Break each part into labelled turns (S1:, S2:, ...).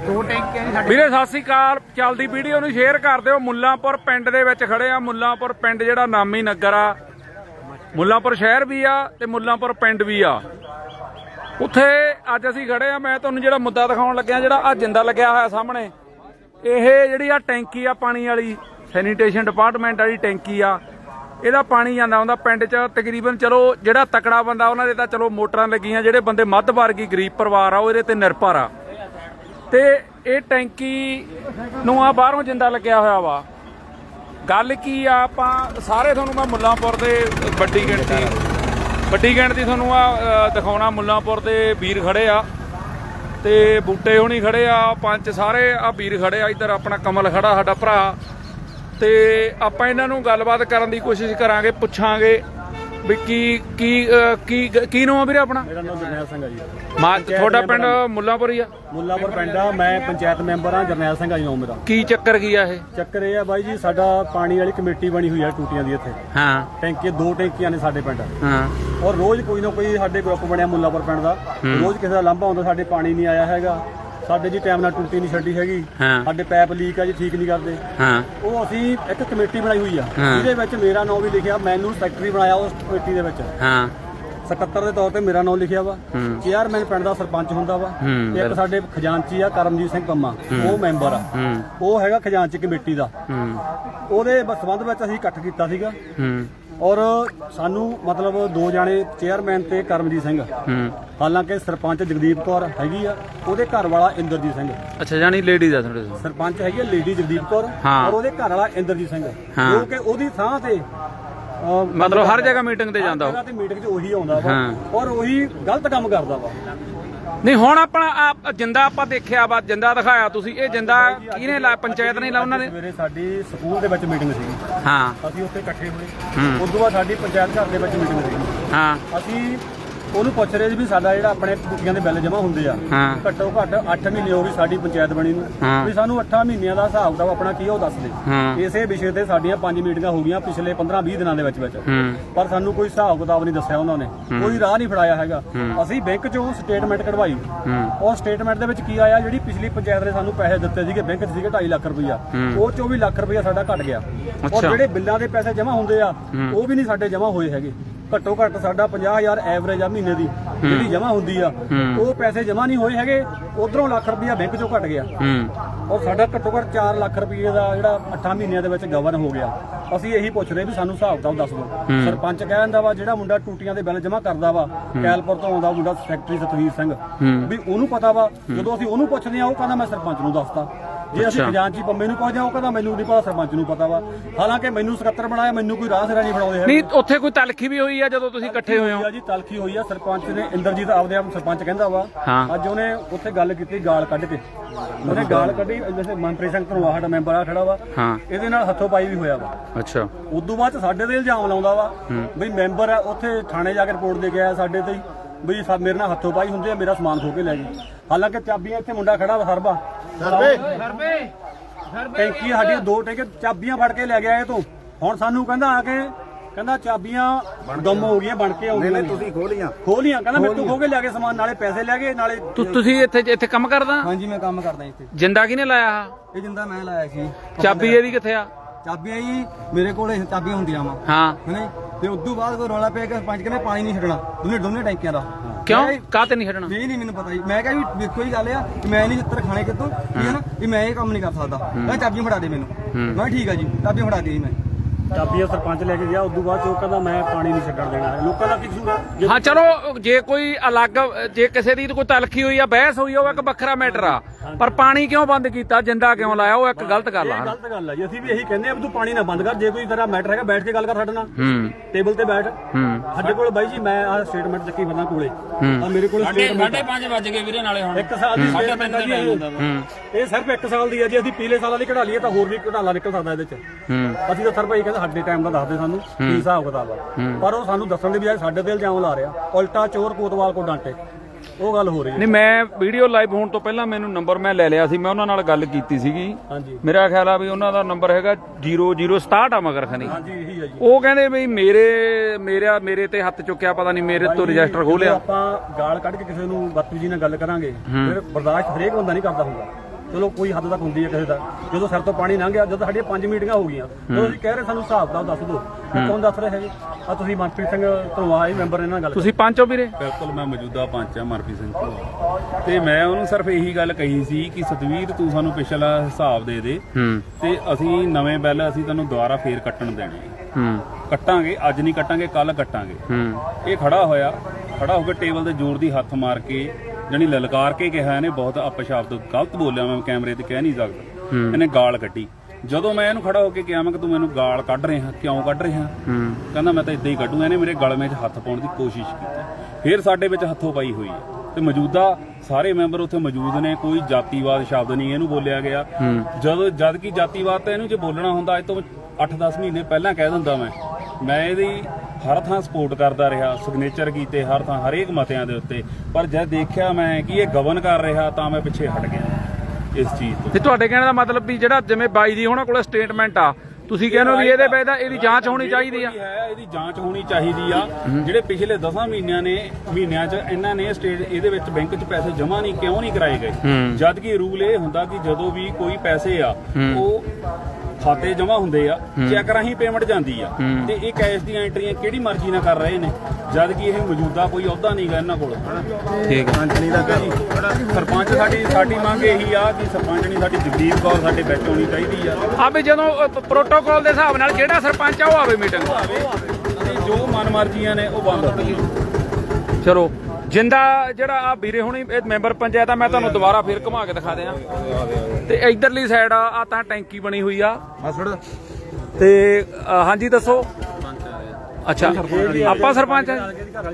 S1: ਦੋ ਟੈਂਕੀਆਂ ਨੇ ਸਾਡੇ
S2: ਵੀਰੇ ਸਤਿ ਸ੍ਰੀ ਅਕਾਲ। ਚੱਲਦੀ ਵੀਡੀਓ ਨੂੰ ਸ਼ੇਅਰ ਕਰ ਦਿਓ। ਮੁੱਲਾਂਪੁਰ ਪਿੰਡ ਦੇ ਵਿੱਚ ਖੜੇ ਆ। ਮੁੱਲਾਂਪੁਰ ਪਿੰਡ ਜਿਹੜਾ ਨਾਮੀ ਨਗਰ ਆ, ਮੁੱਲਾਂਪੁਰ ਸ਼ਹਿਰ ਵੀ ਆ ਤੇ ਮੁੱਲਾਂਪੁਰ ਪਿੰਡ ਵੀ ਆ। ਉੱਥੇ ਅੱਜ ਅਸੀਂ ਖੜੇ ਆ। ਮੈਂ ਤੁਹਾਨੂੰ ਜਿਹੜਾ ਮੁੱਦਾ ਦਿਖਾਉਣ ਲੱਗਿਆ, ਜਿਹੜਾ ਆ ਜਿੰਦਾ ਲੱਗਿਆ ਹੋਇਆ ਸਾਹਮਣੇ, ਇਹ ਜਿਹੜੀ ਆ ਟੈਂਕੀ ਆ ਪਾਣੀ ਵਾਲੀ, ਸੈਨੀਟੇਸ਼ਨ ਡਿਪਾਰਟਮੈਂਟ ਵਾਲੀ ਟੈਂਕੀ ਆ। ਇਹਦਾ ਪਾਣੀ ਜਾਂਦਾ ਹੁੰਦਾ ਪਿੰਡ 'ਚ ਤਕਰੀਬਨ। ਚਲੋ ਜਿਹੜਾ ਤਕੜਾ ਬੰਦਾ ਉਹਨਾਂ ਦੇ ਤਾਂ ਚਲੋ ਮੋਟਰਾਂ ਲੱਗੀਆਂ, ਜਿਹੜੇ ਬੰਦੇ ਮੱਧ ਵਰਗੀ ਗਰੀਬ ਪਰਿਵਾਰ ਆ ਉਹ ਇਹਦੇ ਤੇ ਨਿਰਭਰ ਆ। ਤੇ ਇਹ ਟੈਂਕੀ ਨੂੰ ਆ ਬਾਹਰੋਂ ਜਿੰਦਾ ਲੱਗਿਆ ਹੋਇਆ ਵਾ। ਗੱਲ ਕੀ ਆ, ਆਪਾਂ ਸਾਰੇ ਤੁਹਾਨੂੰ ਮੈਂ ਮੁੱਲਾਂਪੁਰ ਦੇ ਵੱਡੀ ਗਿਣਤੀ ਤੁਹਾਨੂੰ ਆ ਦਿਖਾਉਣਾ। ਮੁੱਲਾਂਪੁਰ ਦੇ ਵੀਰ ਖੜੇ ਆ ਤੇ ਬੂਟੇ ਹੋਣੀ ਖੜੇ ਆ, ਪੰਚ ਸਾਰੇ ਆ ਵੀਰ ਖੜੇ ਆ। ਇੱਧਰ ਆਪਣਾ ਕਮਲ ਖੜਾ ਸਾਡਾ ਭਰਾ, ਤੇ ਆਪਾਂ ਇਹਨਾਂ ਨੂੰ ਗੱਲਬਾਤ ਕਰਨ ਦੀ ਕੋਸ਼ਿਸ਼ ਕਰਾਂਗੇ, ਪੁੱਛਾਂਗੇ ਵੀ ਕੀ ਨਾਮ ਆ ਵੀਰੇ ਆਪਣਾ?
S3: ਮੇਰਾ ਨਾਮ ਜਰਨੈਲ ਸਿੰਘ ਆ ਜੀ।
S2: ਤੁਹਾਡਾ ਪਿੰਡ ਮੁੱਲਾਂਪੁਰ ਹੀ ਆ?
S3: ਮੁੱਲਾਂਪੁਰ ਪਿੰਡ ਆ। ਮੈਂ ਪੰਚਾਇਤ ਮੈਂਬਰ ਆ। ਜਰਨੈਲ ਸਿੰਘ ਆ ਜੀ ਨਾਮ ਮੇਰਾ।
S2: ਕੀ ਚੱਕਰ ਕੀ ਆ ਇਹ?
S3: ਚੱਕਰ ਇਹ ਆ ਬਾਈ ਜੀ, ਸਾਡਾ ਪਾਣੀ ਵਾਲੀ ਕਮੇਟੀ ਬਣੀ ਹੋਈ ਆ ਟੂਟੀਆਂ ਦੀ ਇੱਥੇ।
S2: ਹਾਂ,
S3: ਟੈਂਕੀ ਦੋ ਟੈਂਕੀਆਂ ਨੇ ਸਾਡੇ ਪਿੰਡ।
S2: ਹਾਂ,
S3: ਔਰ ਰੋਜ਼ ਕੋਈ ਨਾ ਕੋਈ ਸਾਡੇ ਗਰੁੱਪ ਬਣਿਆ ਮੁੱਲਾਂਪੁਰ ਪਿੰਡ ਦਾ। ਰੋਜ਼ ਕਿਸੇ ਦਾ ਲਾਂਭਾ ਆਉਂਦਾ, ਸਾਡੇ ਪਾਣੀ ਨਹੀਂ ਆਇਆ ਹੈਗਾ, ਸਾਡੇ ਜੀ ਟਾਈਮ ਨਾਲ ਟੂਟੀ ਨਹੀਂ ਛੱਡੀ ਹੈਗੀ, ਸਾਡੇ ਪੈਪ ਲੀਕ ਆ ਜੀ, ਠੀਕ ਨਹੀਂ ਕਰਦੇ।
S2: ਹਾਂ,
S3: ਉਹ ਅਸੀਂ ਇੱਕ ਕਮੇਟੀ ਬਣਾਈ ਹੋਈ ਆ, ਜਿਹਦੇ ਵਿੱਚ ਮੇਰਾ ਨਾਮ ਵੀ ਲਿਖਿਆ। ਮੈਨੂੰ ਸੈਕਟਰੀ ਬਣਾਇਆ ਉਸ ਕਮੇਟੀ ਦੇ ਵਿੱਚ।
S2: ਹਾਂ,
S3: ਸਕੱਤਰ ਦੇ ਤੌਰ ਤੇ ਮੇਰਾ ਨਾਮ ਲਿਖਿਆ ਵਾ। ਚੇਅਰਮੈਨ ਪਿੰਡ ਦਾ ਸਰਪੰਚ ਹੁੰਦਾ ਵਾ। ਇੱਕ ਸਾਡੇ ਖਜ਼ਾਨਚੀ ਆ ਕਰਮਜੀਤ ਸਿੰਘ ਪੰਮਾ, ਉਹ ਮੈਂਬਰ ਆ। ਉਹ ਹੈਗਾ ਖਜ਼ਾਨਚੀ ਕਮੇਟੀ ਦਾ। ਉਹਦੇ ਸੰਬੰਧ ਵਿੱਚ ਅਸੀਂ ਇਕੱਠ ਕੀਤਾ ਸੀਗਾ। ਔਰ ਸਾਨੂੰ ਮਤਲਬ ਦੋ ਜਾਣੇ ਚੇਅਰਮੈਨ ਤੇ ਕਰਮਜੀਤ ਸਿੰਘ, ਹਾਲਾਂਕਿ ਸਰਪੰਚ ਜਗਦੀਪ ਕੌਰ ਹੈਗੀ ਆ, ਉਹਦੇ ਘਰ ਵਾਲਾ ਇੰਦਰਜੀਤ ਸਿੰਘ।
S2: ਅੱਛਾ, ਜਾਨੀ ਲੇਡੀਜ਼ ਆ ਤੁਹਾਡੇ?
S3: ਸਰਪੰਚ ਹੈਗੀ ਆ ਲੇਡੀ ਜਗਦੀਪ ਕੌਰ, ਔਰ ਉਹਦੇ ਘਰ ਵਾਲਾ ਇੰਦਰਜੀਤ ਸਿੰਘ, ਜੋ ਕਿ ਉਹਦੀ ਥਾਂ ਤੇ
S2: ਮਤਲਬ ਹਰ ਜਗ੍ਹਾ ਮੀਟਿੰਗ ਤੇ ਜਾਂਦਾ
S3: ਤੇ ਮੀਟਿੰਗ 'ਚ ਉਹੀ ਆਉਂਦਾ ਵਾ, ਔਰ ਉਹੀ ਗਲਤ ਕੰਮ ਕਰਦਾ ਵਾ।
S2: ਨਹੀਂ, ਹੁਣ ਆਪਣਾ ਜਿੰਦਾ ਆਪਾਂ ਦੇਖਿਆ ਵਾ, ਜਿੰਦਾ ਦਿਖਾਇਆ ਤੁਸੀਂ, ਇਹ ਜਿੰਦਾ ਕਿਹਨੇ ਲਾਇਆ? ਪੰਚਾਇਤ ਨੇ ਲਾਇਆ? ਉਹਨਾਂ ਨੇ?
S3: ਸਵੇਰੇ ਸਾਡੀ ਸਕੂਲ ਦੇ ਵਿੱਚ ਮੀਟਿੰਗ ਸੀਗੀ।
S2: ਹਾਂ,
S3: ਅਸੀਂ ਉੱਥੇ ਇਕੱਠੇ ਹੋਏ। ਉਸ ਤੋਂ ਬਾਅਦ ਸਾਡੀ ਪੰਚਾਇਤ ਘਰ ਦੇ ਵਿੱਚ ਮੀਟਿੰਗ ਸੀਗੀ।
S2: ਹਾਂ,
S3: ਅਸੀਂ ਉਹਨੂੰ ਪੁੱਛ ਰਹੇ ਸੀ ਵੀ ਸਾਡਾ ਜਿਹੜਾ ਆਪਣੇ ਟੂਟੀਆਂ ਦੇ ਬਿੱਲ ਜਮ੍ਹਾਂ ਹੁੰਦੇ ਆ, ਘੱਟੋ ਘੱਟ 8 ਮਹੀਨੇ ਹੋ ਗਏ ਸਾਡੀ ਪੰਚਾਇਤ ਬਣੀ ਨੂੰ, ਵੀ ਸਾਨੂੰ 8 ਮਹੀਨਿਆਂ ਦਾ ਹਿਸਾਬ ਦਾ ਆਪਣਾ ਕੀ ਉਹ ਦੱਸ ਦੇ। ਇਸੇ ਵਿਸ਼ੇ ਤੇ ਸਾਡੀਆਂ 5 ਮੀਟਿੰਗਾਂ ਹੋ ਗਈਆਂ ਪਿਛਲੇ 15-20 ਦਿਨਾਂ ਦੇ ਵਿੱਚ। ਪਰ ਸਾਨੂੰ ਕੋਈ ਹਿਸਾਬ ਕਿਤਾਬ ਨਹੀਂ ਦੱਸਿਆ ਉਹਨਾਂ ਨੇ, ਕੋਈ ਰਾਹ ਨਹੀਂ ਫੜਾਇਆ ਹੈਗਾ। ਅਸੀਂ ਬੈਂਕ 'ਚੋਂ ਸਟੇਟਮੈਂਟ ਕਢਵਾਈ, ਉਹ ਸਟੇਟਮੈਂਟ ਦੇ ਵਿੱਚ ਕੀ ਆਇਆ, ਜਿਹੜੀ ਪਿਛਲੀ ਪੰਚਾਇਤ ਨੇ ਸਾਨੂੰ ਪੈਸੇ ਦਿੱਤੇ ਸੀਗੇ ਬੈਂਕ 'ਚ ਸੀਗੇ 2.5 ਲੱਖ ਰੁਪਈਆ, ਉਹ 'ਚੋਂ ਵੀ ਲੱਖ ਰੁਪਈਆ ਸਾਡਾ ਘਟ ਗਿਆ। ਔਰ ਜਿਹੜੇ ਬਿੱਲਾਂ ਦੇ ਪੈਸੇ ਜਮ੍ਹਾਂ ਹੁੰਦੇ ਆ ਉਹ ਵੀ ਨਹੀਂ ਸਾਡੇ ਜਮ੍ਹਾਂ ਹੋਏ ਹੈਗੇ। ਘੱਟੋ ਘੱਟ ਸਾਡਾ 50,000 ਐਵਰੇਜ ਆ ਮਹੀਨੇ ਦੀ ਜਿਹੜੀ ਜਮ੍ਹਾਂ ਹੁੰਦੀ ਆ, ਉਹ ਪੈਸੇ ਜਮ੍ਹਾਂ ਨਹੀਂ ਹੋਏ ਹੈਗੇ। ਉਧਰੋਂ ਲੱਖ ਰੁਪਈਆ ਬੈਂਕ 'ਚੋਂ ਘਟ ਗਿਆ, ਔਰ ਸਾਡਾ ਘੱਟੋ ਘੱਟ 4 ਲੱਖ ਰੁਪਈਏ ਦਾ ਜਿਹੜਾ 8 ਮਹੀਨਿਆਂ ਦੇ ਵਿੱਚ ਗਵਰਨ ਹੋ ਗਿਆ। ਅਸੀਂ ਇਹੀ ਪੁੱਛ ਰਹੇ ਵੀ ਸਾਨੂੰ ਹਿਸਾਬ ਕਿਤਾਬ ਦੱਸ ਦਿਓ। ਸਰਪੰਚ ਕਹਿ ਦਿੰਦਾ ਵਾ ਜਿਹੜਾ ਮੁੰਡਾ ਟੂਟੀਆਂ ਦੇ ਬਿੱਲ ਜਮ੍ਹਾਂ ਕਰਦਾ ਵਾ, ਕੈਲਪੁਰ ਤੋਂ ਆਉਂਦਾ ਮੁੰਡਾ ਸੈਕਟਰੀ ਸਤਵੀਰ ਸਿੰਘ, ਵੀ ਉਹਨੂੰ ਪਤਾ ਵਾ। ਜਦੋਂ ਅਸੀਂ ਉਹਨੂੰ ਪੁੱਛਦੇ ਆ, ਉਹ ਕਹਿੰਦਾ ਮੈਂ ਸਰਪੰਚ ਨੂੰ ਦੱਸਤਾ। ਜੇ ਅਸੀਂ ਖਜ਼ਾਨਚੀ ਪੰਮੇ ਨੂੰ ਪੁੱਛਦੇ ਆ, ਉਹ ਕਹਿੰਦਾ ਮੈਨੂੰ ਨਹੀਂ ਪਤਾ, ਸਰਪੰਚ ਨੂੰ ਪਤਾ ਵਾ। ਹਾਲਾਂਕਿ ਮੈਨੂੰ ਸਕੱਤਰ ਬਣਾਇਆ, ਮੈਨੂੰ ਕੋਈ ਰਾਹ ਸਿਰਾ ਨਹੀਂ ਫੜਾਉਂਦੇ।
S2: ਨਹੀਂ, ਉੱਥੇ ਕੋਈ ਤਲਖੀ ਵੀ ਹੋਈ ਆ ਜਦੋਂ ਤੁਸੀਂ ਇਕੱਠੇ ਹੋਏ ਹੋ?
S3: ਜੀ ਤਲਖੀ ਹੋਈ ਆ। ਸਰਪੰਚ ਨੇ ਇੰਦਰਜੀਤ ਆਪਦੇ ਆਪ ਸਰਪੰਚ ਕਹਿੰਦਾ ਵਾ। ਅੱਜ ਉਹਨੇ ਉੱਥੇ ਗੱਲ ਕੀਤੀ ਗਾਲ ਕੱਢ ਕੇ, ਉਹਨੇ ਗਾਲ ਕੱਢੀ। ਵੈਸੇ ਮਨਪ੍ਰੀਤ ਸਿੰਘ ਧਨੋਆ ਸਾਡਾ ਮੈਂਬਰ ਆ ਖੜਾ ਵਾ, ਇਹਦੇ ਨਾਲ ਹੱਥੋਂ ਪਾਈ ਵੀ ਹੋਇਆ ਵਾ।
S2: ਅੱਛਾ।
S3: ਉਦੋਂ ਬਾਅਦ ਸਾਡੇ ਤੇ ਇਲਜ਼ਾਮ ਲਾਉਂਦਾ ਵਾ ਬਈ ਮੈਂਬਰ ਆ, ਉੱਥੇ ਥਾਣੇ ਜਾ ਕੇ ਰਿਪੋਰਟ ਦੇ ਗਿਆ ਸਾਡੇ ਤੇ ਬਈ ਮੇਰੇ ਨਾਲ ਹੱਥੋਂ ਪਾਈ ਹੁੰਦੇ ਆ, ਮੇਰਾ ਸਮਾਨ ਖੋ ਕੇ ਲੈ ਗਏ। ਹਾਲਾਂਕਿ ਚਾਬੀਆਂ ਇੱਥੇ ਮੁੰਡਾ ਖੜਾ ਵਾ ਸਰਬਾ, ਟੈਂਕੀ ਸਾਡੀਆਂ ਦੋ ਟੈਂਕੀ ਚਾਬੀਆਂ ਫੜ ਕੇ ਲੈ ਗਿਆ ਇਹ ਤੋਂ। ਹੁਣ ਸਾਨੂੰ ਕਹਿੰਦਾ ਆ ਕੇ, ਕਹਿੰਦਾ ਚਾਬੀਆਂ ਗੁੰਮ ਹੋ ਗਈਆਂ ਬਣ ਕੇ ਆਉਂਦੀਆਂ, ਤੁਸੀਂ ਖੋਲੀਆਂ। ਕਹਿੰਦਾ ਮੇਰੇ ਤੋਂ ਖੋ ਕੇ ਲੈ ਕੇ ਸਮਾਨ, ਨਾਲੇ ਪੈਸੇ ਲੈ ਗਏ ਨਾਲੇ।
S2: ਤੁਸੀਂ ਇੱਥੇ ਕੰਮ ਕਰਦਾ?
S1: ਹਾਂਜੀ, ਮੈਂ ਕੰਮ ਕਰਦਾ ਇੱਥੇ।
S2: ਜਿੰਦਾ ਕਿਹਨੇ ਲਾਇਆ?
S1: ਇਹ ਜਿੰਦਾ ਮੈਂ ਲਾਇਆ ਸੀ।
S2: ਚਾਬੀ ਇਹਦੀ ਕਿੱਥੇ ਆ?
S1: ਚਾਬੀਆਂ ਜੀ ਮੇਰੇ ਕੋਲ ਚਾਬੀਆਂ ਹੁੰਦੀਆਂ ਵਾ।
S2: ਹਾਂ,
S1: ਨਹੀਂ ਤੇ ਉਦੋਂ ਬਾਅਦ ਕੋਈ ਰੌਲਾ ਪਿਆ ਕਿ ਪੰਜ ਕਹਿੰਦੇ ਪਾਣੀ ਨਹੀਂ ਛੱਡਣਾ ਦੋਨੇ ਟੈਂਕੀਆਂ ਦਾ।
S2: ਕਿਉਂ? ਕਾਹਤੇ ਨਹੀਂ ਛੱਡਣਾ?
S1: ਨਹੀਂ ਮੈਨੂੰ ਪਤਾ ਜੀ। ਮੈਂ ਕਿਹਾ ਵੀ ਵੇਖੋ ਹੀ ਗੱਲ ਆ ਕਿ ਮੈਂ ਨਹੀਂ ਜਿੱਤਰ ਖਾਣੇ ਕਿਤੋਂ, ਠੀਕ ਹੈ ਨਾ, ਵੀ ਮੈਂ ਇਹ ਕੰਮ ਨਹੀਂ ਕਰ ਸਕਦਾ। ਮੈਂ ਚਾਬੀਆਂ ਫੜਾ ਦੇ ਮੈਨੂੰ। ਮੈਂ ਠੀਕ ਆ ਜੀ, ਚਾਬੀਆਂ ਫੜਾ ਦੇ ਜੀ। ਮੈਂ
S3: ਚਾਬੀਆਂ ਸਰਪੰਚ ਲੈ ਕੇ ਗਿਆ। ਉਦੋਂ ਬਾਅਦ ਉਹ ਕਹਿੰਦਾ ਮੈਂ ਪਾਣੀ ਨਹੀਂ ਛੱਡਣ ਦੇਣਾ। ਲੋਕਾਂ ਦਾ ਕੀ ਕਸੂਰ ਆ?
S2: ਹਾਂ, ਚਲੋ ਜੇ ਕੋਈ ਅਲੱਗ, ਜੇ ਕਿਸੇ ਦੀ ਕੋਈ ਤਲਖੀ ਹੋਈ ਆ, ਬਹਿਸ ਹੋਈ ਆ, ਉਹ ਇੱਕ ਵੱਖਰਾ ਮੈਟਰ ਆ। ਪਰ ਪਾਣੀ ਕਿਉਂ ਬੰਦ ਕੀਤਾ, ਜਿੰਦਾ ਕਿਉਂ ਲਾਇਆ, ਉਹ ਇੱਕ ਗਲਤ ਗੱਲ ਆ।
S3: ਗਲਤ ਗੱਲ ਆ ਜੀ। ਅਸੀਂ ਵੀ ਇਹੀ ਕਹਿੰਦੇ ਆ ਵੀ ਤੂੰ ਪਾਣੀ ਨਾ ਬੰਦ ਕਰ। ਜੇ ਕੋਈ ਤੇਰਾ ਮੈਟਰ ਹੈਗਾ ਬੈਠ ਕੇ ਗੱਲ ਕਰ ਸਾਡੇ ਨਾਲ, ਟੇਬਲ ਤੇ ਬੈਠ। ਸਾਡੇ ਕੋਲ ਬਾਈ ਜੀ ਮੈਂ ਆਹ ਸਟੇਟਮੈਂਟ ਚੱਕੀ ਫਿਰਦਾ ਕੋਲੇ, ਆ ਮੇਰੇ ਕੋਲ ਸਟੇਟਮੈਂਟ
S4: 5:30 ਵੱਜ ਗਏ ਵੀਰੇ। ਨਾਲੇ ਹੁਣ
S3: 1 ਸਾਲ ਦੀ ਸਟੇਟਮੈਂਟ ਆ ਜੀ। ਇਹ ਸਿਰਫ 1 ਸਾਲ ਦੀ ਆ ਜੀ। ਅਸੀਂ ਪਿਛਲੇ ਸਾਲਾਂ ਦੀ ਕਢਾ ਲਈਏ ਤਾਂ ਹੋਰ ਵੀ ਘਟਾਲਾ ਨਿਕਲ ਸਕਦਾ ਇਹਦੇ ਚ। ਅਸੀਂ ਤਾਂ ਸਰ ਭਾਈ ਕਹਿੰਦੇ ਸਾਡੇ ਟਾਈਮ ਦਾ ਦੱਸਦੇ ਸਾਨੂੰ ਕੀ ਹਿਸਾਬ ਕਿਤਾਬ ਆ, ਪਰ ਉਹ ਸਾਨੂੰ ਦੱਸਣ ਦੇ ਬਜਾਏ ਸਾਡੇ ਤੇ ਇਲਜ਼ਾਮ ਲਾ ਰਿਹਾ। ਉਲਟਾ ਚੋਰ ਕੋਤਵਾਲ ਕੋ ਡਾਂਟੇ, ਉਹ ਗੱਲ ਹੋ ਰਹੀ ਹੈ।
S2: ਨਹੀਂ, ਮੈਂ ਵੀਡੀਓ ਲਾਈਵ ਹੋਣ ਤੋਂ ਪਹਿਲਾਂ ਮੈਨੂੰ ਨੰਬਰ ਮੈਂ ਲੈ ਲਿਆ ਸੀ, ਮੈਂ ਉਹਨਾਂ ਨਾਲ ਗੱਲ ਕੀਤੀ ਸੀਗੀ।
S3: ਹਾਂਜੀ,
S2: ਮੇਰਾ ਖਿਆਲ ਆ ਵੀ ਉਹਨਾਂ ਦਾ ਨੰਬਰ ਹੈਗਾ 0067 ਆ ਮਗਰ ਖਨੀ।
S3: ਹਾਂਜੀ ਇਹੀ ਆ ਜੀ।
S2: ਉਹ ਕਹਿੰਦੇ ਵੀ ਮੇਰੇ ਤੇ ਹੱਥ ਚੁੱਕਿਆ, ਪਤਾ ਨਹੀਂ ਮੇਰੇ ਤੋਂ ਰਜਿਸਟਰ ਖੋਲਿਆ।
S3: ਆਪਾਂ ਗਾਲ ਕੱਢ ਕੇ ਕਿਸੇ ਨੂੰ ਬਦਤਮੀਜ਼ੀ ਨਾਲ ਗੱਲ ਕਰਾਂਗੇ, ਫਿਰ ਬਰਦਾਸ਼ਤ ਹਰੇਕ ਬੰਦਾ ਨਹੀਂ ਕਰਦਾ ਹੁੰਦਾ। ਚਲੋ ਕੋਈ ਹੱਦ ਤੱਕ ਹੁੰਦੀ ਹੈ ਕਿਸੇ ਦਾ, ਜਦੋਂ ਸਿਰ ਤੋਂ ਪਾਣੀ ਲੰਘ ਗਿਆ, ਜਦੋਂ ਸਾਡੀਆਂ 5 ਮੀਟਿੰਗਾਂ ਹੋ ਗਈਆਂ, ਜਦੋਂ ਅਸੀਂ ਕਹਿ ਰਹੇ ਸਾਨੂੰ ਹਿਸਾਬ ਦਾ ਦੱਸ ਦਿਓ, ਕੌਣ ਦੱਸ ਰਿਹਾ ਹੈਗੇ? ਆ ਤੁਸੀਂ ਮਨਪ੍ਰੀਤ ਸਿੰਘ ਧਨੋਆ ਹੀ ਮੈਂਬਰ ਇਹਨਾਂ ਗੱਲ।
S2: ਤੁਸੀਂ ਪੰਚ ਹੋ ਵੀਰੇ?
S4: ਬਿਲਕੁਲ, ਮੈਂ ਮੌਜੂਦਾ ਪੰਚ ਆ ਮਨਪ੍ਰੀਤ ਸਿੰਘ ਧਨੋਆ, ਤੇ ਮੈਂ ਉਹਨੂੰ ਸਿਰਫ ਇਹੀ ਗੱਲ ਕਹੀ ਸੀ ਕਿ ਸਤਵੀਰ ਤੂੰ ਸਾਨੂੰ ਪਿਛਲਾ ਹਿਸਾਬ ਦੇ ਦੇ, ਤੇ ਅਸੀਂ ਨਵੇਂ ਬਿੱਲ ਅਸੀਂ ਤੈਨੂੰ ਦੁਬਾਰਾ ਫੇਰ ਕੱਟਣ ਦੇਣੇ, ਕੱਟਾਂਗੇ, ਅੱਜ ਨਹੀਂ ਕੱਟਾਂਗੇ, ਕੱਲ ਕੱਟਾਂਗੇ। ਇਹ ਖੜਾ ਹੋ ਕੇ ਟੇਬਲ ਤੇ ਜ਼ੋਰ ਦੀ ਹੱਥ ਮਾਰ ਕੇ ਜਾਨੀ ਲਲਕਾਰ ਕੇ ਕਿਹਾ ਇਹਨੇ, ਬਹੁਤ ਅਪਸ਼ਬਦ ਗਲਤ ਬੋਲਿਆ, ਮੈਂ ਕੈਮਰੇ ਤੇ ਕਹਿ ਨਹੀਂ ਸਕਦਾ, ਇਹਨੇ ਗਾਲ ਕੱਢੀ। ਜਦੋਂ ਮੈਂ ਇਹਨੂੰ ਖੜਾ ਹੋ ਕੇ ਕਿਹਾ ਮੈਂ ਕਿ ਤੂੰ ਮੈਨੂੰ ਗਾਲ ਕੱਢ ਰਿਹਾ, ਕਿਉਂ ਕੱਢ ਰਿਹਾ? ਕਹਿੰਦਾ ਮੈਂ ਤਾਂ ਇਦਾਂ ਹੀ ਕੱਢੂ। ਇਹਨੇ ਮੇਰੇ ਗਲਮੇ 'ਚ ਹੱਥ ਪਾਉਣ ਦੀ ਕੋਸ਼ਿਸ਼ ਕੀਤੀ, ਫਿਰ ਸਾਡੇ ਵਿੱਚ ਹੱਥੋਂ ਪਾਈ ਹੋਈ ਹੈ, ਤੇ ਮੌਜੂਦਾ ਸਾਰੇ ਮੈਂਬਰ ਉੱਥੇ ਮੌਜੂਦ ਨੇ, ਕੋਈ ਜਾਤੀਵਾਦ ਸ਼ਬਦ ਨਹੀਂ ਇਹਨੂੰ ਬੋਲਿਆ ਗਿਆ। ਜਦ ਕਿ ਜਾਤੀਵਾਦ ਤਾਂ ਇਹਨੂੰ ਜੇ ਬੋਲਣਾ ਹੁੰਦਾ ਅੱਜ ਤੋਂ 8-10 ਮਹੀਨੇ ਪਹਿਲਾਂ ਕਹਿ ਦਿੰਦਾ। ਮੈਂ ਇਹਦੀ ਹਰ ਥਾਂ ਸਪੋਰਟ ਕਰਦਾ ਰਿਹਾ, ਸਿਗਨੇਚਰ ਕੀਤੇ ਹਰ ਥਾਂ, ਹਰੇਕ ਮਤਿਆਂ ਦੇ ਉੱਤੇ, ਪਰ ਜਦ ਦੇਖਿਆ ਮੈਂ ਕਿ ਇਹ ਗਵਨ ਕਰ ਰਿਹਾ ਤਾਂ ਮੈਂ ਪਿੱਛੇ ਹਟ ਗਿਆ ਇਸ ਚੀਜ਼ ਤੋਂ।
S2: ਤੇ ਤੁਹਾਡੇ ਕਹਿਣ ਦਾ ਮਤਲਬ ਵੀ ਜਿਹੜਾ ਜਿਵੇਂ ਬਾਈ ਦੀ ਉਹਨਾਂ ਕੋਲ ਸਟੇਟਮੈਂਟ ਆ, ਤੁਸੀਂ ਕਹਿੰਦੇ ਹੋ ਵੀ ਇਹਦੇ ਵਿੱਚ ਇਹਦੀ ਜਾਂਚ ਹੋਣੀ ਚਾਹੀਦੀ ਆ?
S4: ਇਹਦੀ ਜਾਂਚ ਹੋਣੀ ਚਾਹੀਦੀ ਆ। ਜਿਹੜੇ ਪਿਛਲੇ 10 ਮਹੀਨਿਆਂ 'ਚ ਇਹਨਾਂ ਨੇ ਇਹਦੇ ਵਿੱਚ ਬੈਂਕ 'ਚ ਪੈਸੇ ਜਮ੍ਹਾਂ ਨਹੀਂ ਕਿਉਂ ਨਹੀਂ ਕਰਾਏ ਗਏ, ਜਦ ਕਿ ਰੂਲ ਇਹ ਹੁੰਦਾ ਕਿ ਜਦੋਂ ਵੀ ਕੋਈ ਪੈਸੇ ਆ ਉਹ ਖਾਤੇ ਜਮ੍ਹਾਂ ਹੁੰਦੇ ਆ, ਚੈੱਕ ਰਾਹੀਂ ਪੇਮੈਂਟ ਜਾਂਦੀ ਆ, ਤੇ ਇਹ ਕੈਸ਼ ਦੀਆਂ ਐਂਟਰੀਆਂ ਕਿਹੜੀ ਮਰਜ਼ੀ ਨਾਲ ਕਰ ਰਹੇ ਨੇ, ਜਦ ਕਿ ਇਹ ਮੌਜੂਦਾ ਕੋਈ ਅਹੁਦਾ ਨਹੀਂ ਗਾ ਇਹਨਾਂ ਕੋਲ।
S2: ਠੀਕ ਹੈ
S4: ਨਹੀਂ ਲੱਗਾ ਜੀ। ਸਰਪੰਚ ਸਾਡੀ ਮੰਗ ਇਹੀ ਆ ਕਿ ਸਰਪੰਚਣੀ ਸਾਡੀ ਜਗਦੀਪ ਕੌਰ ਸਾਡੇ ਵਿੱਚ ਹੋਣੀ ਚਾਹੀਦੀ ਆ।
S2: ਵੀ ਜਦੋਂ ਪ੍ਰੋਟੋਕਾਲ ਦੇ ਹਿਸਾਬ ਨਾਲ ਜਿਹੜਾ ਸਰਪੰਚ ਆ ਉਹ ਆਵੇ ਮੀਟਿੰਗ,
S4: ਜੋ ਮਨਮਰਜ਼ੀਆਂ ਨੇ ਉਹ ਬੰਦ ਹੋਣਗੀਆਂ।
S2: ਚਲੋ ਜਿੰਦਾ ਜਿਹੜਾ ਆ ਵੀਰੇ ਹੁਣੀ ਇਹ ਮੈਂਬਰ ਪੰਚਾਇਤ ਆ, ਮੈਂ ਤੁਹਾਨੂੰ ਦੁਬਾਰਾ ਫੇਰ ਘੁਮਾ ਕੇ ਦਿਖਾ ਦਿਆਂ। ਤੇ ਇਧਰਲੀ ਸਾਈਡ ਆ ਤਾਂ ਟੈਂਕੀ ਬਣੀ ਹੋਈ ਆ ਤੇ ਹਾਂਜੀ ਦੱਸੋ। ਅੱਛਾ ਆਪਾਂ ਸਰਪੰਚ ਆ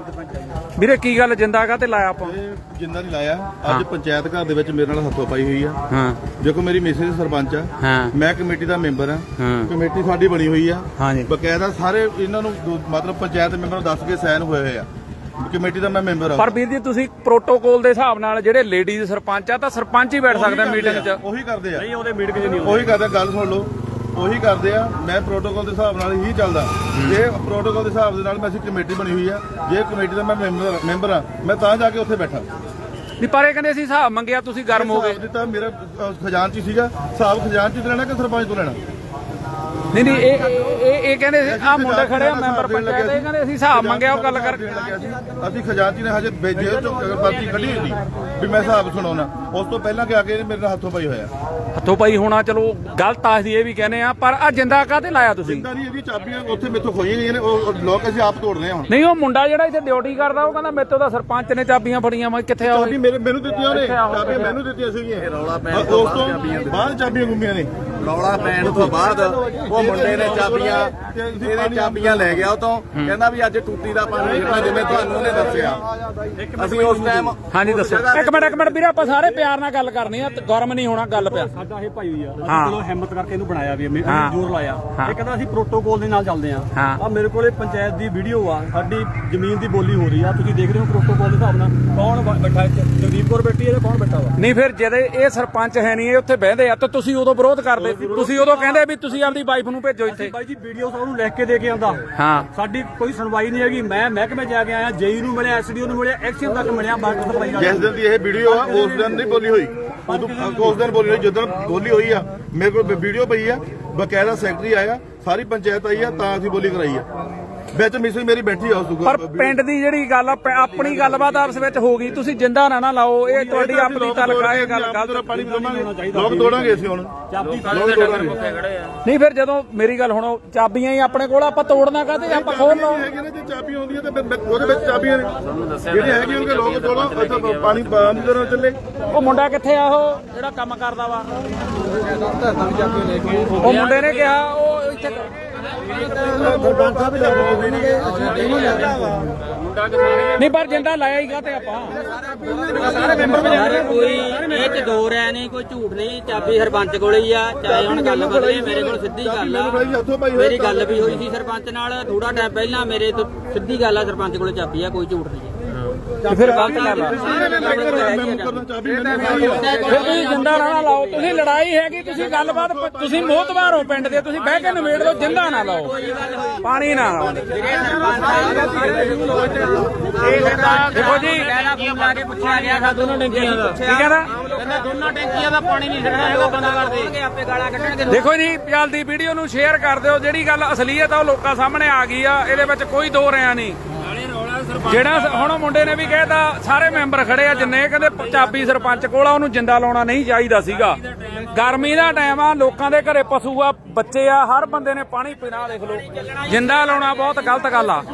S2: ਵੀਰੇ, ਕੀ ਗੱਲ ਜਿੰਦਾ ਕਾ ਤੇ ਲਾਇਆ ਆਪਾਂ?
S5: ਜਿੰਦਾ ਨਹੀਂ ਲਾਇਆ, ਅੱਜ ਪੰਚਾਇਤ ਘਰ ਦੇ ਵਿੱਚ ਮੇਰੇ ਨਾਲ ਹੱਥੋਂ ਪਾਈ ਹੋਈ ਆ। ਦੇਖੋ ਮੇਰੀ ਮਿਸਿਸ ਸਰਪੰਚ ਆ, ਮੈਂ ਕਮੇਟੀ ਦਾ ਮੈਂਬਰ ਆ, ਕਮੇਟੀ ਸਾਡੀ ਬਣੀ ਹੋਈ ਆ, ਬਕਾਇਦਾ ਸਾਰੇ ਇਹਨਾਂ ਨੂੰ ਮਤਲਬ ਪੰਚਾਇਤ ਮੈਂਬਰ ਨੂੰ ਦੱਸ ਕੇ ਸਾਈਨ ਹੋਏ ਹੋਏ ਆ, ਕਮੇਟੀ ਦਾ ਮੈਂ ਮੈਂਬਰ ਆ।
S2: ਪਰ ਵੀਰ ਜੀ ਤੁਸੀਂ ਪ੍ਰੋਟੋਕਾਲ ਦੇ ਹਿਸਾਬ ਨਾਲ ਜਿਹੜੇ ਲੇਡੀਜ਼ ਸਰਪੰਚ ਆ ਤਾਂ ਸਰਪੰਚ ਹੀ ਬੈਠ ਸਕਦਾ ਮੀਟਿੰਗ 'ਚ?
S5: ਉਹੀ ਕਰਦੇ ਆ,
S3: ਨਹੀਂ ਉਹਦੇ ਮੀਟਿੰਗ 'ਚ ਨਹੀਂ
S5: ਉਹੀ ਕਰਦੇ, ਗੱਲ ਸੁਣ ਲਓ, ਉਹੀ ਕਰਦੇ ਆ। ਮੈਂ ਪ੍ਰੋਟੋਕਾਲ ਦੇ ਹਿਸਾਬ ਨਾਲ ਹੀ ਚੱਲਦਾ, ਜੇ ਪ੍ਰੋਟੋਕਾਲ ਦੇ ਹਿਸਾਬ ਦੇ ਨਾਲ ਮੈਂ ਅਸੀਂ ਕਮੇਟੀ ਬਣੀ ਹੋਈ ਆ, ਜੇ ਕਮੇਟੀ ਦਾ ਮੈਂ ਮੈਂਬਰ ਆ, ਮੈਂ ਤਾਂ ਜਾ ਕੇ ਉੱਥੇ ਬੈਠਾ।
S2: ਨਹੀਂ ਪਰ ਇਹ ਕਹਿੰਦੇ ਅਸੀਂ ਹਿਸਾਬ ਮੰਗਿਆ, ਤੁਸੀਂ ਗਰਮ ਹੋ ਗਏ।
S5: ਦਿੱਤਾ ਮੇਰਾ ਖਜ਼ਾਨਚੀ ਸੀਗਾ, ਹਿਸਾਬ ਖਜ਼ਾਨਚੀ ਤੋਂ ਲੈਣਾ ਕਿ ਸਰਪੰਚ ਤੋਂ ਲੈਣਾ?
S2: ਨਹੀਂ ਇਹ ਕਹਿੰਦੇ ਆ ਮੁੰਡੇ ਖੜੇ ਆ ਮੈਂਬਰ ਪੰਚਾਇਤ, ਇਹ ਕਹਿੰਦੇ ਅਸੀਂ ਹਿਸਾਬ ਮੰਗਿਆ, ਉਹ ਗੱਲ ਕਰ।
S5: ਅਸੀਂ ਖਜ਼ਾਨਚੀ ਨੇ ਹਜੇ ਜੇਲ੍ਹ ਚੋਂ ਪਰਚੀ ਕੱਢੀ ਹੋਈ ਵੀ ਮੈਂ ਹਿਸਾਬ ਸੁਣਾਉਣਾ, ਉਸ ਤੋਂ ਪਹਿਲਾਂ ਕਿ ਆ ਕੇ ਮੇਰੇ ਨਾਲ ਹੱਥੋਂ ਪਾਈ ਹੋਇਆ।
S2: ਹੱਥੋਂ ਪਾਈ ਹੋਣਾ ਚਲੋ ਗਲਤ ਆ, ਅਸੀਂ ਇਹ ਵੀ ਕਹਿੰਦੇ ਆ, ਪਰ ਆ ਜਿੰਦਾ ਕਾਹਤੇ ਲਾਇਆ ਤੁਸੀਂ?
S5: ਜਿੰਦਾ ਨਹੀਂ, ਇਹਦੀਆਂ ਚਾਬੀਆਂ ਉੱਥੇ ਮੇਥੋਂ ਖੋਈਆਂ ਗਈਆਂ ਨੇ, ਉਹ ਲੋਕ ਅਸੀਂ ਆਪ ਤੋੜ ਰਹੇ ਹਾਂ।
S2: ਨਹੀਂ ਉਹ ਮੁੰਡਾ ਜਿਹੜਾ ਇੱਥੇ ਡਿਊਟੀ ਕਰਦਾ ਉਹ ਕਹਿੰਦਾ ਮੇਰੇ ਤੋਂ ਤਾਂ ਸਰਪੰਚ ਨੇ ਚਾਬੀਆਂ ਫੜੀਆਂ, ਮੈਂ ਕਿੱਥੇ ਆ?
S5: ਚਾਬੀ ਮੈਨੂੰ ਦਿੱਤੀਆਂ ਨੇ, ਚਾਬੀਆਂ ਮੈਨੂੰ ਦਿੱਤੀਆਂ ਸੀਗੀਆਂ, ਉਸ ਤੋਂ ਬਾਅਦ ਚਾਬੀਆਂ ਗੁੰਮੀਆਂ ਨੇ।
S6: ਰੌਲਾ ਪੈਣ ਤੋਂ ਬਾਅਦ ਉਹ ਮੁੰਡੇ ਨੇ ਚਾਬੀਆਂ ਲੈ ਗਿਆ ਉਹ ਤੋਂ, ਕਹਿੰਦਾ ਵੀ ਅੱਜ ਟੂਟੀ ਦਾ ਪਾਣੀ ਨਿਕਲਣਾ, ਜਿਵੇਂ ਤੁਹਾਨੂੰ ਉਹਨੇ ਦੱਸਿਆ। ਅਸੀਂ ਉਸ ਟਾਈਮ
S2: ਹਾਂਜੀ ਦੱਸੋ। ਇੱਕ ਮਿੰਟ ਵੀਰੇ, ਆਪਾਂ ਸਾਰੇ ਪਿਆਰ ਨਾਲ ਗੱਲ ਕਰਨੀ ਆ, ਗਰਮ ਨਹੀਂ ਹੋਣਾ ਗੱਲ ਪਿਆ।
S3: ਸਾਡਾ ਇਹ ਭਾਈ ਆ, ਚਲੋ ਹਿੰਮਤ ਕਰਕੇ ਇਹਨੂੰ ਬਣਾਇਆ ਵੀ ਜ਼ੋਰ ਲਾਇਆ, ਇਹ ਕਹਿੰਦਾ ਅਸੀਂ ਪ੍ਰੋਟੋਕਾਲ ਦੇ ਨਾਲ ਚੱਲਦੇ ਆ। ਆ ਮੇਰੇ ਕੋਲੇ ਪੰਚਾਇਤ ਦੀ ਵੀਡੀਓ ਆ, ਸਾਡੀ ਜ਼ਮੀਨ ਦੀ ਬੋਲੀ ਹੋ ਰਹੀ ਆ, ਤੁਸੀਂ ਦੇਖ ਰਹੇ ਹੋ ਪ੍ਰੋਟੋਕਾਲ ਦੇ ਹਿਸਾਬ ਨਾਲ ਕੌਣ ਬੈਠਾ ਇੱਥੇ, ਜਗਦੀਪ ਕੌਰ ਬੈਠੀ ਹੈ, ਕੌਣ ਬੈਠਾ ਵਾ? ਨਹੀਂ ਫਿਰ ਜਦ ਇਹ ਸਰਪੰਚ ਹੈ ਨਹੀਂ, ਇਹ ਉੱਥੇ ਬਹਿੰਦੇ ਆ, ਤਾਂ ਤੁਸੀਂ ਉਦੋਂ ਵਿਰੋਧ ਕਰਦੇ, ਤੁਸੀਂ ਉਦੋਂ ਕਹਿੰਦੇ ਵੀ ਤੁਸੀਂ ਆਪਦੀ ਵਾਈਫ ਨੂੰ ਭੇਜੋ ਇੱਥੇ। ਬਾਈ ਜੀ ਵੀਡੀਓ ਉਹਨੂੰ ਲਿਖ ਕੇ ਦੇ ਕੇ ਆਂਦਾ, ਸਾਡੀ ਕੋਈ ਸੁਣਵਾਈ ਨਹੀਂ ਹੈਗੀ। ਮੈਂ ਮਹਿਕਮੇ ਜਾ ਕੇ ਆਇਆ, ਜੇਈ ਨੂੰ ਮਿਲਿਆ, ਐਸਡੀਓ ਨੂੰ ਮਿਲਿਆ, ਐਕਸ਼ਨ ਤੱਕ ਮਿਲਿਆ, ਬਾਕੀ ਸਪਲਾਈ ਵਾਲਾ।
S5: ਜਿਸ ਦਿਨ ਦੀ ਇਹ ਵੀਡੀਓ ਆ ਉਸ ਦਿਨ ਨਹੀਂ ਬੋਲੀ ਹੋਈ, ਉਸ ਦਿਨ ਬੋਲੀ ਹੋਈ, ਜਦੋਂ ਬੋਲੀ ਹੋਈ ਆ ਮੇਰੇ ਕੋਲ ਵੀਡੀਓ ਪਈ ਆ, ਬਕਾਇਦਾ ਸੈਕਟਰੀ ਆਇਆ, ਸਾਰੀ ਪੰਚਾਇਤ ਆਈ ਆ, ਤਾਂ ਅਸੀਂ ਬੋਲੀ ਕਰਾਈ ਆ, ਵਿੱਚ ਮਿਸਿਸ ਮੇਰੀ ਬੈਠੀ ਆ ਉਸ ਤੋਂ।
S2: ਪਰ ਪਿੰਡ ਦੀ ਜਿਹੜੀ ਗੱਲ ਆ, ਆਪਣੀ ਗੱਲਬਾਤ ਆਪਸ ਵਿੱਚ ਹੋ ਗਈ, ਤੁਸੀਂ ਜਿੰਦਾ ਨਾ ਲਾਓ, ਇਹ ਤੁਹਾਡੀ ਆਪਣੀ ਤਲਕਾ, ਇਹ ਗੱਲ ਗਲਤ।
S5: ਪਾਣੀ ਲੋਕ ਤੋੜਾਂਗੇ ਅਸੀਂ ਹੁਣ,
S2: ਨਹੀਂ ਫਿਰ ਜਦੋਂ ਮੇਰੀ ਗੱਲ ਸੁਣੋ, ਚਾਬੀਆਂ ਹੀ ਆਪਣੇ ਕੋਲ, ਆਪਾਂ ਤੋੜਨਾ ਕਾਹਤੇ, ਆਪਾਂ ਖੋਲ ਲਓ।
S5: ਜੇ ਚਾਬੀਆਂ ਹੁੰਦੀਆਂ ਤਾਂ ਉਹਦੇ ਵਿੱਚ ਚਾਬੀਆਂ ਨੇ ਜਿਹੜੇ ਹੈਗੇ ਉਹਦੇ ਲੋਕ ਤੋੜੋ, ਪਾਣੀ ਬੰਦ ਕਰੋ ਚੱਲੇ।
S2: ਉਹ ਮੁੰਡਾ ਕਿੱਥੇ ਆ, ਉਹ ਜਿਹੜਾ ਕੰਮ ਕਰਦਾ ਵਾ? ਉਹ ਮੁੰਡੇ ਨੇ ਕਿਹਾ ਉਹ ਇੱਥੇ ਨਹੀਂ, ਪਰ ਜਿੰਦਾ ਲਾਇਆ ਹੀ ਕਾਹਤੇ ਆਪਾਂ?
S7: ਕੋਈ ਇਹ ਚ ਦੋ ਰਹਿ ਨਹੀਂ, ਕੋਈ ਝੂਠ ਨਹੀਂ, ਚਾਬੀ ਸਰਪੰਚ ਕੋਲ ਹੀ ਆ, ਚਾਹੇ ਹੁਣ ਗੱਲ ਬਦਲੇ, ਮੇਰੇ ਕੋਲ ਸਿੱਧੀ ਗੱਲ ਆ। ਮੇਰੀ ਗੱਲ ਵੀ ਹੋਈ ਸੀ ਸਰਪੰਚ ਨਾਲ ਥੋੜਾ ਟਾਈਮ ਪਹਿਲਾਂ, ਮੇਰੇ ਤੋਂ ਸਿੱਧੀ ਗੱਲ ਆ, ਸਰਪੰਚ ਕੋਲ ਚਾਬੀ ਆ, ਕੋਈ ਝੂਠ ਨਹੀਂ।
S2: ਫਿਰ ਗਲਤ ਗੱਲ ਆ। ਫਿਰ ਤੁਸੀਂ ਜਿੰਦਾ ਨਾ ਲਾਓ, ਤੁਸੀਂ ਲੜਾਈ ਹੈਗੀ, ਤੁਸੀਂ ਗੱਲਬਾਤ, ਤੁਸੀਂ ਮੋਹਤਬਾਰ ਹੋ ਪਿੰਡ ਦੇ, ਤੁਸੀਂ ਬਹਿ ਕੇ ਨਿਬੇੜ ਲਓ, ਜਿੰਦਾ ਨਾ ਲਾਓ, ਪਾਣੀ ਨਾ ਲਾਓ। ਦੇਖੋ ਜੀ
S7: ਲਾ ਕੇ ਪੁੱਛਿਆ ਗਿਆ ਦੋਨੋਂ ਟੈਂਕੀਆਂ ਦਾ,
S2: ਠੀਕ ਹੈ ਨਾ,
S7: ਦੋਨੋਂ ਟੈਂਕੀਆਂ ਦਾ ਪਾਣੀ ਨਹੀਂ ਛੱਡਣਾ ਹੈਗਾ, ਬੰਦਾ ਕਰਦੇ ਆਪੇ ਗਾਲਾਂ ਕੱਢਣਗੇ।
S2: ਦੇਖੋ ਜੀ ਚੱਲਦੀ ਵੀਡੀਓ ਨੂੰ ਸ਼ੇਅਰ ਕਰ ਦਿਓ। ਜਿਹੜੀ ਗੱਲ ਅਸਲੀਅਤ ਆ ਉਹ ਲੋਕਾਂ ਸਾਹਮਣੇ ਆ ਗਈ ਆ, ਇਹਦੇ ਵਿੱਚ ਕੋਈ ਦੋ ਰਿਆ ਨਹੀਂ। ਜਿਹੜਾ ਹੁਣ ਮੁੰਡੇ ਨੇ ਵੀ ਕਹਿਤਾ, ਸਾਰੇ ਮੈਂਬਰ ਖੜੇ ਆ ਜਿੰਨੇ, ਕਹਿੰਦੇ ਚਾਬੀ ਸਰਪੰਚ ਕੋਲ ਆ, ਉਹਨੂੰ ਜਿੰਦਾ ਲਾਉਣਾ ਨਹੀਂ ਚਾਹੀਦਾ ਸੀਗਾ। ਗਰਮੀ ਦਾ ਟਾਈਮ ਆ, ਲੋਕਾਂ ਦੇ ਘਰੇ ਪਸ਼ੂ ਆ, ਬੱਚੇ ਆ, ਹਰ ਬੰਦੇ ਨੇ ਪਾਣੀ ਪੀਣਾ। ਦੇਖ ਲਓ, ਜਿੰਦਾ ਲਾਉਣਾ ਬਹੁਤ ਗਲਤ ਗੱਲ ਆ।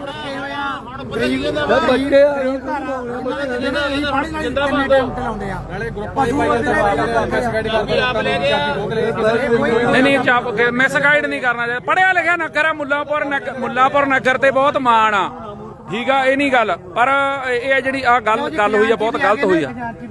S2: ਨਹੀਂ ਚਾਪ ਮਿਸਗਾਈਡ ਨਹੀਂ ਕਰਨਾ ਚਾਹੀਦਾ। ਪੜਿਆ ਲਿਖਿਆ ਨਗਰ ਆ ਮੁੱਲਾਂਪੁਰ ਨਗਰ ਤੇ ਬਹੁਤ ਮਾਣ ਆ, ਠੀਕ ਆ, ਇਹ ਨਹੀਂ ਗੱਲ, ਪਰ ਇਹ ਜਿਹੜੀ ਆ ਗੱਲ ਹੋਈ ਆ ਬਹੁਤ ਗਲਤ ਹੋਈ ਆ।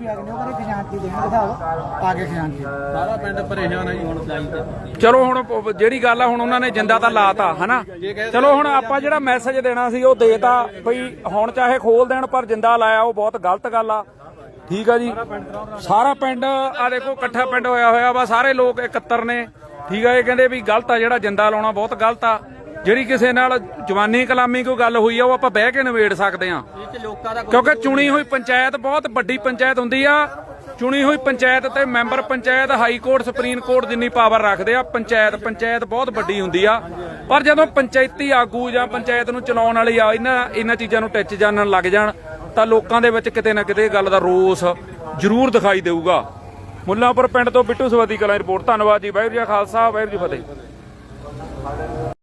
S3: ਸਾਰਾ ਪਿੰਡ ਪਰੇਸ਼ਾਨ ਹੈ ਜੀ ਹੁਣ
S2: ਚਲੋ ਹੁਣ ਜਿਹੜੀ ਗੱਲ ਆ, ਹੁਣ ਉਹਨਾਂ ਨੇ ਜਿੰਦਾ ਤਾਂ ਲਾਤਾ ਹਨਾ, ਚਲੋ ਹੁਣ ਆਪਾਂ ਜਿਹੜਾ ਮੈਸੇਜ ਦੇਣਾ ਸੀ ਉਹ ਦੇਤਾ ਬਈ ਹੁਣ ਚਾਹੇ ਖੋਲ ਦੇਣ ਪਰ ਜਿੰਦਾ ਲਾਇਆ ਉਹ ਬਹੁਤ ਗਲਤ ਗੱਲ ਆ, ਠੀਕ ਆ ਜੀ। ਸਾਰਾ ਪਿੰਡ ਆ ਦੇਖੋ ਇਕੱਠਾ ਪਿੰਡ ਹੋਇਆ ਵਾ, ਸਾਰੇ ਲੋਕ ਇਕੱਤਰ ਨੇ, ਠੀਕ ਆ। ਇਹ ਕਹਿੰਦੇ ਵੀ ਗਲਤ ਆ, ਜਿਹੜਾ ਜਿੰਦਾ ਲਾਉਣਾ ਬਹੁਤ ਗਲਤ ਆ। ਜਿਹੜੀ ਕਿਸੇ ਨਾਲ ਜਵਾਨੀ ਕਲਾਮੀ ਕੋਈ ਗੱਲ ਹੋਈ ਆ ਉਹ ਆਪਾਂ ਬਹਿ ਕੇ ਨਿਬੇੜ ਸਕਦੇ ਆ, ਕਿਉਂਕਿ ਚੁਣੀ ਹੋਈ ਪੰਚਾਇਤ ਬਹੁਤ ਵੱਡੀ ਪੰਚਾਇਤ ਹੁੰਦੀ ਆ। ਚੁਣੀ ਹੋਈ ਪੰਚਾਇਤ ਤੇ member panchayat high court supreme court ਜਿੰਨੀ ਪਾਵਰ ਰੱਖਦੇ ਆ। ਪੰਚਾਇਤ ਬਹੁਤ ਵੱਡੀ ਹੁੰਦੀ ਆ, ਪਰ ਜਦੋਂ ਪੰਚਾਇਤੀ ਆਗੂ ਜਾਂ ਪੰਚਾਇਤ ਨੂੰ ਚਲਾਉਣ ਵਾਲੇ ਆ ਇਹਨਾਂ ਚੀਜ਼ਾਂ ਨੂੰ ਟਿੱਚ ਜਾਣਨ ਲੱਗ ਜਾਣ ਤਾਂ ਲੋਕਾਂ ਦੇ ਵਿੱਚ ਕਿਤੇ ਨਾ ਕਿਤੇ ਗੱਲ ਦਾ ਰੋਸ ਜ਼ਰੂਰ ਦਿਖਾਈ ਦੇਊਗਾ। ਮੁੱਲਾਂਪੁਰ ਪਿੰਡ ਤੋਂ ਬਿੱਟੂ ਸਵਾਦੀ ਕਲਾਂ ਰਿਪੋਰਟ। ਧੰਨਵਾਦ ਜੀ। ਵਾਹਿਗੁਰੂ ਜੀ ਕਾ ਖਾਲਸਾ, ਵਾਹਿਗੁਰੂ ਜੀ ਕੀ ਫਤਿਹ।